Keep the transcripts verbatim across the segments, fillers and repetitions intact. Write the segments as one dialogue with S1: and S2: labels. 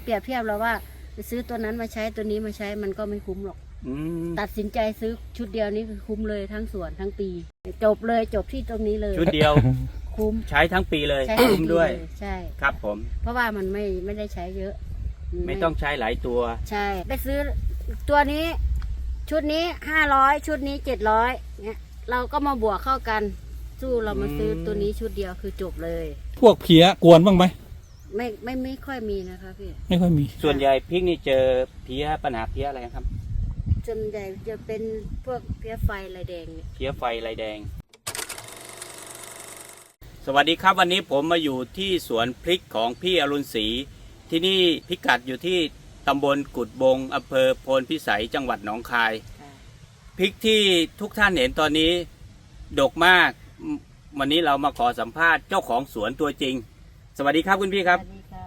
S1: ปรียบเทียบเราว่าไปซื้อตัวนั้นมาใช้ตัวนี้มาใช้มันก็ไม่คุ้มหรอกตัดสินใจซื้อชุดเดียวนี้คือคุ้มเลยทั้งสวนทั้งปีจบเลยจบที่ตรงนี้เลย
S2: ชุดเดียว
S1: คุ้ม
S2: ใช้ทั้งปีเลย
S1: คุ้ม
S2: ด้วย
S1: ใช่
S2: ครับผม
S1: เพราะว่ามันไม่ไม่ได้ใช้เยอะ
S2: ไม่ต้องใช้หลายตัว
S1: ใช่ไปซื้อตัวนี้ชุดนี้ห้าร้อยชุดนี้เจ็ดร้อยเนี่ยเราก็มาบวกเข้ากันสู้เรามาซื้อตัวนี้ชุดเดียวคือจบเลย
S3: พวกเพี้ยกวนบ้างไหม
S1: ไม่ไม่ไม่ค่อยมีนะคะพี่
S3: ไม่ค่อยมี
S2: ส่วนใหญ่พริกนี่เจอเพี้ยปัญหาเพี้ยอะไรครับ
S1: ส่วนใหญ่จะเป็นพวกเพี้ยไฟลายแดงเนี่ย
S2: เพี้ยไฟลายแดงสวัสดีครับวันนี้ผมมาอยู่ที่สวนพริกของพี่อรุณศรีที่นี่พิกัดอยู่ที่ตำบลกุดบงอำเภอโพนพิสัยจังหวัดหนองคายพริกที่ทุกท่านเห็นตอนนี้ดกมากวันนี้เรามาขอสัมภาษณ์เจ้าของสวนตัวจริงสวัสดีครับคุณพี่ครับ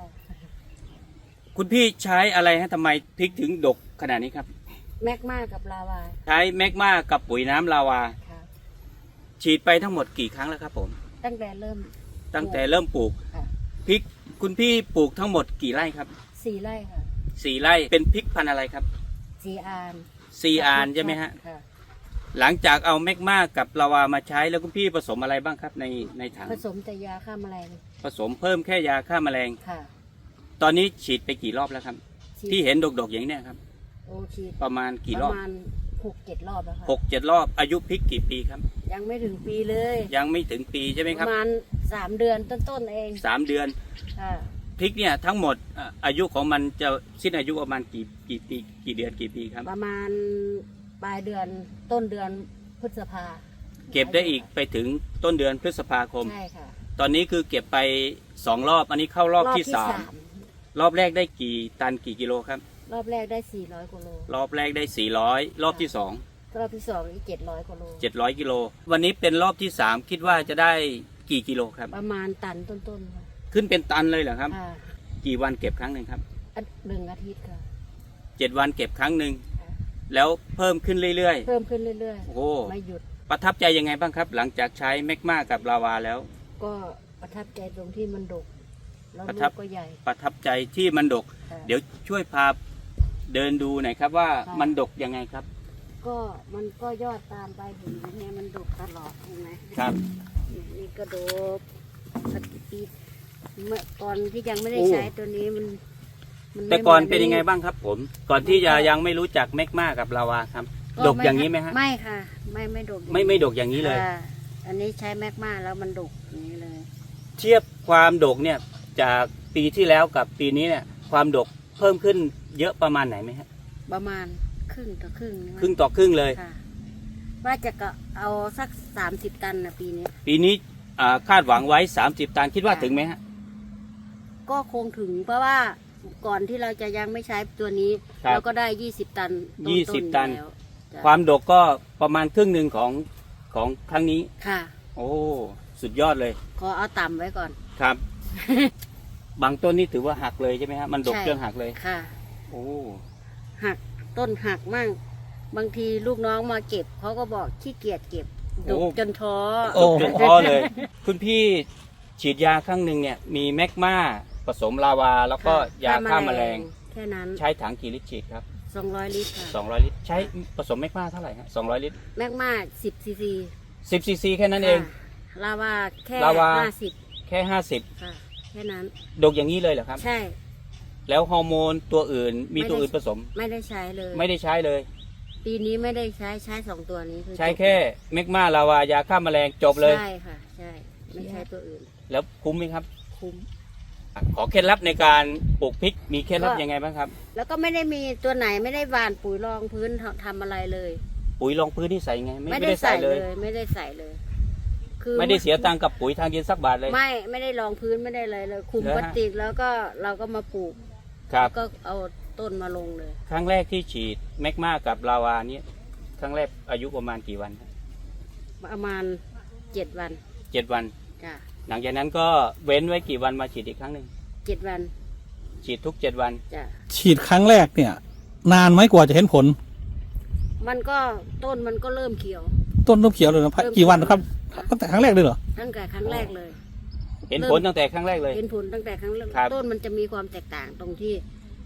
S2: คุณพี่ใช้อะไรฮะทำไมพริกถึงดกขนาดนี้ครับ
S1: แมกมากับลาวา
S2: ใช้แมกมากับปุ๋ยน้ำลาวาฉีดไปทั้งหมดกี่ครั้งแล้วครับผม
S1: ตั้งแต่เริ่ม
S2: ตั้งแต่เริ่มปลูกพริกคุณพี่ปลูกทั้งหมดกี่ไร่ครับ
S1: สี่ไร่ค่ะ
S2: สี่ไร่เป็นพริกพันธุ์อะไรครับ
S1: ซีอาน
S2: ซีอานใช่ไหมฮะหลังจากเอาแมกมากับลาวามาใช้แล้วคุณพี่ผสมอะไรบ้างครับในในถัง
S1: ผสมแต่ยาฆ่าแมลง
S2: ผสมเพิ่มแค่ยาฆ่าแมลง
S1: ค่ะ
S2: ตอนนี้ฉีดไปกี่รอบแล้วครับที่เห็นดกๆอย่างนี้ครับ
S1: โอ้ฉีด
S2: ประมาณกี่รอบ
S1: ประมาณหกเจ็ดรอบแล้วค่ะ
S2: หกเจ็ดรอบอายุพริกกี่ปีครับ
S1: ยังไม่ถึงปีเลย
S2: ยังไม่ถึงปีใช่ไหมครับ
S1: ประมาณสามเดือนต้นๆเอง
S2: สามเดือน
S1: ค่ะ
S2: พริกเนี่ยทั้งหมดอายุของมันจะสิ้นอายุประมาณกี่กี่ปีกี่เดือนกี่ปีครับ
S1: ประมาณปลายเดือนต้นเดือนพฤษภา
S2: เก็บได้อีกไปถึงต้นเดือนพฤษภาคม
S1: ใช่ค่ะ
S2: ตอนนี้คือเก็บไปสองรอบอันนี้เข้ารอบที่สามรอบแรกได้กี่ตันกี่กิโลครับ
S1: รอบแรกได้สี่ร้อยกิโล
S2: รอบแรกได้สี่ร้อยรอบที่สอง
S1: รอบที่สองอีกเจ็ดร้อยกิโล
S2: เจ็ดร้อยกิโลวันนี้เป็นรอบที่สามคิดว่าจะได้กี่กิโลครับ
S1: ประมาณตันต้นๆค่ะ
S2: ขึ้นเป็นตันเลยเหรอครับกี่วันเก็บครั้งหนึ่งครับ
S1: หนึ่งอาทิตย์ค่ะ
S2: เจ็ดวันเก็บครั้งหนึ่งแล้วเพิ่มขึ้นเรื่อย
S1: ๆเพิ่มขึ้นเรื่อย
S2: ๆโอ้
S1: ไม่หยุด
S2: ประทับใจยังไงบ้างครับหลังจากใช้แมกมากับลาวาแล้ว
S1: ก็ประทับใจตรงที่มันดกแล้วลูกก็ใหญ่
S2: ประทับใจที่มันดกเดี๋ยวช่วยพาเดินดูหน่อยครับว่ามันดกยังไงครับ
S1: ก็มันก็ยอดตามไปถึงเนี่ยมันดกตลอดใช่ไหม
S2: ครับ
S1: นี่ก็ดกสักปีเมื่อก่อนที่ยังไม่ได้ใช้ตัวนี้มัน
S2: แต่ก่อนเป็นยังไงบ้างครับผมก่อนที่จะยังไม่รู้จักแมกมากับลาวาครับดกอย่างนี้ไหมฮะ
S1: ไม่ค่ะไม่ไม่ดก
S2: ไม่ไม่ดกอย่างนี้เลย
S1: อันนี้ใช้แมกมาแล้วมันดกอย่างนี้เลย
S2: เทียบความดกเนี่ยจากปีที่แล้วกับปีนี้เนี่ยความดกเพิ่มขึ้นเยอะประมาณไหนไหมฮะ
S1: ประมาณครึ่งต่อครึ่ง
S2: ครึ่งต่อครึ่งเลย
S1: ว่าจะก็เอาสักสามสิบตันนะปีนี้
S2: ปีนี้คาดหวังไว้สามสิบตันคิดว่าถึงไหมฮะ
S1: ก็คงถึงเพราะว่าก่อนที่เราจะยังไม่ใช้ตัวนี้เราก็ได้ยี่สิบตัน
S2: ยี่สิบตันความดกก็ประมาณครึ่งหนึ่งของของครั้งนี้
S1: ค่ะ
S2: โอ้สุดยอดเลย
S1: ขอเอาต่ำไว้ก่อน
S2: ครับ บางต้นนี่ถือว่าหักเลยใช่ไหมฮะมันดกจนหักเลย
S1: ค่ะ
S2: โอ้
S1: หักต้นหักมั่งบางทีลูกน้องมาเก็บเขาก็บอกขี้เกียจเก็บดกจนท้อ
S2: ดกจนท้อเลย คุณพี่ฉีดยาครั้งหนึ่งเนี่ยมีแมกมาผสมลาวาแล้วก็ยาฆ่าแมลง
S1: แค่นั้น
S2: ใช้ถังกี่ลิตรฉีดครับ
S1: สองร้อยลิตรค่ะ
S2: สองร้อยลิตรใช้ผสมแมกมาเท่าไหร่ฮะสองร้อยลิตร
S1: แมกมาสิบซีซี
S2: สิบซีซีแค่นั้นเอง
S1: ลาวาแค่ห้าสิบ
S2: แค่ห้าสิบ
S1: ค่ะแค่นั้น
S2: ดกอย่างนี้เลยเหรอครับ
S1: ใช่
S2: แล้วฮอร์โมนตัวอื่นมีตัวอื่นผสม
S1: ไม่ได้ใช้เลย
S2: ไม่ได้ใช้เลย
S1: ปีนี้ไม่ได้ใช้ใช้สองตัวนี้
S2: ใช้แค่แมกมาลาวายาฆ่าแมลงจบเลย
S1: ใช่ค่ะใช่ไม่ใช้ตัวอื่น
S2: แล้วคุ้มไหมครับ
S1: คุ้ม
S2: ขอเคล็ดลับในการปลูกพริกมีเคล็ดลับยังไงบ้างครับ
S1: แล้วก็ไม่ได้มีตัวไหนไม่ได้หว่านปุ๋ยรองพื้นทำอะไรเลย
S2: ปุ๋ยรองพื้นที่ใส่ไง
S1: ไม่ได้ใส่เลยไม่ได้ใส่เลย
S2: คือไม่ได้เสียตังค์กับปุ๋ยทางดินสักบาทเลย
S1: ไม่ไม่ได้รองพื้นไม่ได้เลยเลยคุมพลาสติกแล้วก็เราก็มาปลูกก็เอาต้นมาลงเลย
S2: ครั้งแรกที่ฉีดแมกมากับลาวานี้ครั้งแรกอายุประมาณกี่วัน
S1: ประมาณเจ็ดวัน
S2: เจ็ดวัน
S1: จ้ะ
S2: หลังจากนั้นก็เว้นไว้กี่วันมาฉีดอีกครั้งหนึ่ง
S1: เจ็ดวัน
S2: ฉีดทุกเจ็ดวัน
S1: จ้ะ
S3: ฉีดครั้งแรกเนี่ยนานไหมกว่าจะเห็นผล
S1: มันก็ต้นมันก็เริ่มเขียว
S3: ต้นเริ่มเขียวเลยนะกี่วันครับตั้งแต่ครั้งแรกเลยเหรอ
S1: ตั้งแต่ครั้งแรกเลย
S2: เห็นผลตั้งแต่ครั้งแรกเลย
S1: เห็นผลตั้งแต่ครั้งแรกต้นมันจะมีความแตกต่างตรงที่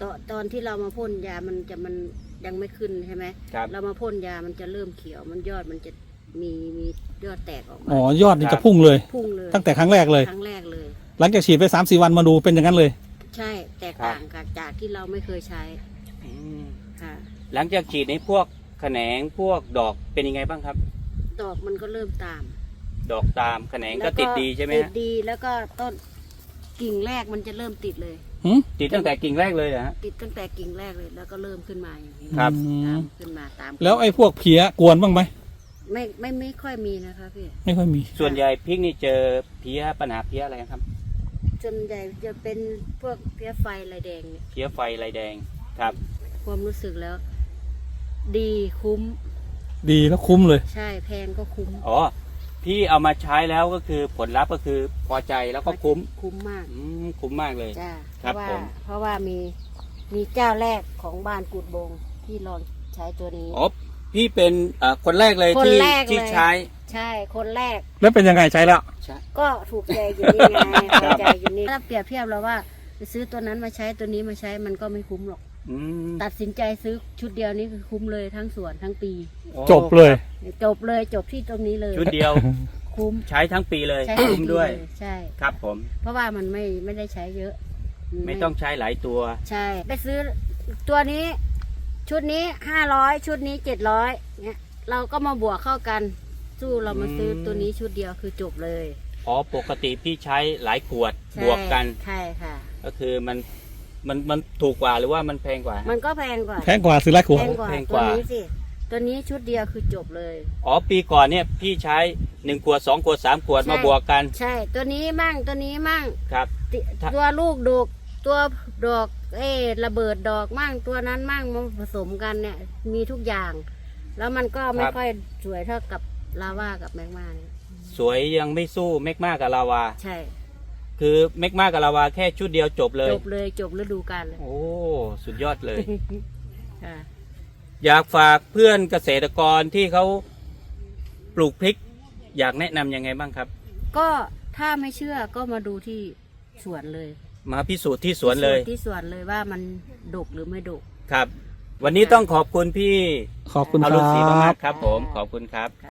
S1: ตอนตอนที่เรามาพ่นยามันจะมันยังไม่ขึ้นใช่ไหม
S2: ครับ
S1: เรามาพ่นยามันจะเริ่มเขียวมันยอดมันจะมีมียอดแตกออกมา
S3: อ๋อยอดนี่จะพุ่งเลย
S1: พุ่งเลย
S3: ตั้งแต่ครั้งแรกเลย
S1: ครั้งแรกเลย
S3: หลังจากฉีดไปสามสี่วันมาดูเป็นอย่างนั้นเลย
S1: ใช่แตกต่างกับจากที่เราไม่เคยใช้
S2: อืม
S1: ค่ะ
S2: หลังจากฉีดในพวกแขนงพวกดอกเป็นยังไงบ้างครับ
S1: ดอกมันก็เริ่มตาม
S2: ดอกตามแขนงก็ติดดีใช่ไหม
S1: ติด
S2: ฮะ
S1: ดีแล้วก็ต้นกิ่งแรกมันจะเริ่มติดเลย
S3: หืม
S2: ติดตั้งแต่กิ่งแรกเลยเหรอฮะ
S1: ติดตั้งแต่กิ่งแรกเลยแล้วก็เริ่มขึ้นมาอย่างนี้
S2: ครับ
S3: อื
S1: ตาม มขึ้นมาตาม
S3: แล้วไอ้พวกเพี้ยกวนบ้างไหม
S1: ไม่ไม่ไม่ค่อยมีนะคะพี่
S3: ไม่ค่อยมี
S2: ส่วนใหญ่พริกนี่เจอเพี้ยปัญหาเพี้ยอะไรครับ
S1: ส่วนใหญ่จะเป็นพวกเพี้ยไฟลายแดงเนี่ย
S2: เพี้ยไฟลายแดงครับ
S1: ความรู้สึกแล้ว ดีคุ้ม
S3: ดีแล้วคุ้มเลย
S1: ใช่แพงก็คุ้ม
S2: อ๋อพี่เอามาใช้แล้วก็คือผลลัพธ์ก็คือพอใจแล้วก็คุ้ม
S1: คุ้มมาก
S2: อืมคุ้มมากเลย
S1: จ้าเพ
S2: ครับ
S1: ราะว่า
S2: ผม
S1: เพราะว่ามีมีเจ้าแรกของบ้านกุดบงที่ลองใช้ตัวนี้
S2: อ๋อพี่เป็นเอ่อคนแรกเลย
S1: คน
S2: ที่
S1: แรกเลย
S2: ที่ใช้
S1: ใช่คนแรก
S3: แล้วเป็นยังไงใช้แล้ว
S2: ใช่
S1: ก็ถูกใจอยู่นี่ไงพอใจอยู่นี่ถ้าเปรียบเทียบเราว่าไปซื้อตัวนั้นมาใช้ตัวนี้มาใช้มันก็ไม่คุ้มหรอก
S2: อืม
S1: ตัดสินใจซื้อชุดเดียวนี้คือคุ้มเลยทั้งสวนทั้งปี
S2: โอ้
S3: จบเลย
S1: จบเลยจบที่ตรงนี้เลย
S2: ชุดเดียว
S1: คุ้ม
S2: ใช้ทั้งปีเลย
S1: ใช้
S2: คุ้มด้วย
S1: ทั้งปีเลยใช่
S2: ครับผม
S1: เพราะว่ามันไม่ไม่ได้ใช้เยอะน
S2: ไม่ต้องใช้หลายตัว
S1: ใช่ ไปซื้อตัวนี้ ชุดนี้ห้าร้อยชุดนี้เจ็ดร้อยเนี่ยเราก็มาบวกเข้ากัน สู้เรามาซื้อตัวนี้ชุดเดียวคือจบเลย
S2: อ๋อปกติพี่ใช้หลายขวด
S1: ใช่
S2: บวกกัน
S1: ใช่ค่ะ
S2: ก็คือมันมันมันถูกกว่าหรือว่ามันแพงกว่า
S1: มันก็แพงกว่า
S3: แพงกว่าซื้อไรขวด
S1: แพงกว่า
S2: แพงก
S1: ตัว
S2: ว่า
S1: นี้สิตัวนี้ชุดเดียวคือจบเลย
S2: อ๋อปีก่อนเนี่ยพี่ใช้หนึ่งขวดสองขวดสามขวด
S1: ใช่
S2: มาบวกกัน
S1: ใช่ตัวนี้มั่งตัวนี้มั่ง
S2: ครับ
S1: ติ
S2: ถ้า
S1: ตัวลูกดกตัวดอกเออระเบิดดอกมั่งตัวนั้นมั่งมาผสมกันเนี่ยมีทุกอย่าง แล้วมันก็ไม่ค่อยสวยเท่ากับลาว่ากับแมกมาเนี่ย
S2: สวยยังไม่สู้เมกมากับลาวา
S1: ใช่
S2: คือเมกมากับลาวาแค่ชุดเดียวจบเลย
S1: จบเลยจบฤดูกาลเลย
S2: โอ้สุดยอดเลย
S1: ค่ะ
S2: อยากฝากเพื่อนเกษตรกรที่เขาปลูกพริก อยากแนะนำยังไงบ้างครับ
S1: ก็ถ้าไม่เชื่อก็มาดูที่สวนเลย
S2: มาพิสูจน์ที่สวนเลย
S1: ที่สวนเลยว่ามันดกหรือไม่ดก
S2: ครับ วันนี้ต้องขอบคุณพี่
S3: ขอบคุณ
S2: อ
S3: ค
S2: รุ
S3: รั
S2: ณศรี
S3: บ
S2: มากๆครับ ผมขอบคุณครับ